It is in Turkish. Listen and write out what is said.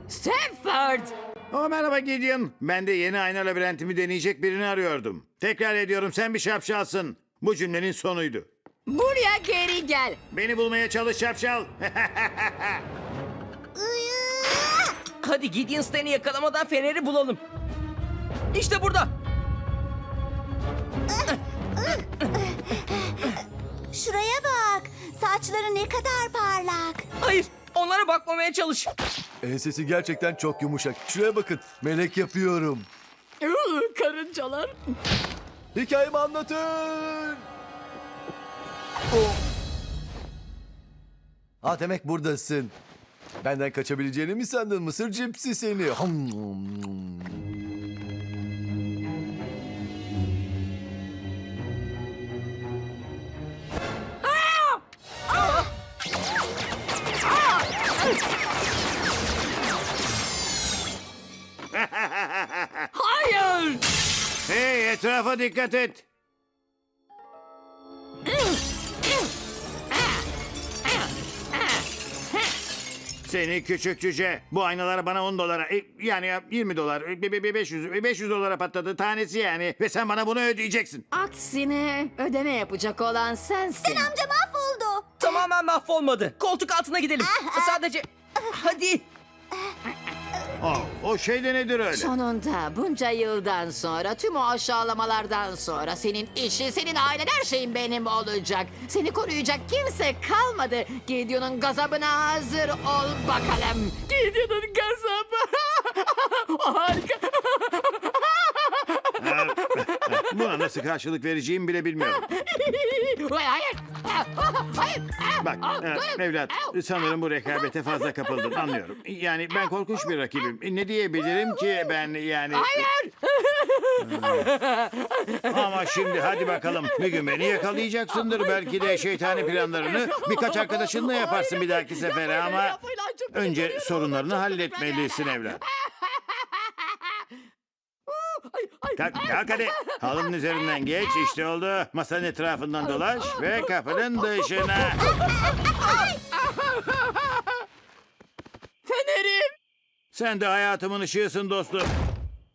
Stanford! Merhaba Gideon. Ben de yeni ayna labirentimi deneyecek birini arıyordum. Tekrar ediyorum, sen bir şapşalsın. Bu cümlenin sonuydu. Buraya geri gel. Beni bulmaya çalış şapşal. Hadi Gideon Stan'i yakalamadan feneri bulalım. İşte burada. Şuraya bak. Saçları ne kadar parlak. Hayır, onlara bakmamaya çalış. Ensesi gerçekten çok yumuşak. Şuraya bakın. Melek yapıyorum. Karıncalar. Hikayemi anlatın. Ha demek buradasın. Benden kaçabileceğini mi sandın mısır cipsi seni? Hayır! Hey, etrafa dikkat et. Seni küçük cüce. Bu aynalar bana 10 dolara, yani 20 dolar, 500 dolara patladı tanesi yani. Ve sen bana bunu ödeyeceksin. Aksine ödeme yapacak olan sensin. Amca mahvoldu. Tamamen mahvolmadı. Koltuk altına gidelim. Sadece... Hadi. O şey de nedir öyle? Sonunda bunca yıldan sonra, tüm o aşağılamalardan sonra senin işin, senin ailen, her şeyin benim olacak. Seni koruyacak kimse kalmadı. Gideon'un gazabına hazır ol bakalım. Gideon'un gazabı. Harika. Buna nasıl karşılık vereceğimi bile bilmiyorum. Hayır. Hayır. Bak evlat, sanırım bu rekabete fazla kapıldın, anlıyorum. Yani ben korkunç bir rakibim. Ne diyebilirim ki ben yani... Hayır. Ama şimdi hadi bakalım. Bir gün beni yakalayacaksındır. Belki de şeytani planlarını birkaç arkadaşınla yaparsın bir dahaki sefere ama... Önce sorunlarını halletmelisin evlat. Kalk hadi. Halının üzerinden geç, işte oldu. Masanın etrafından dolaş ve kapının dışına. Fenerim. Sen de hayatımın ışığısın dostum.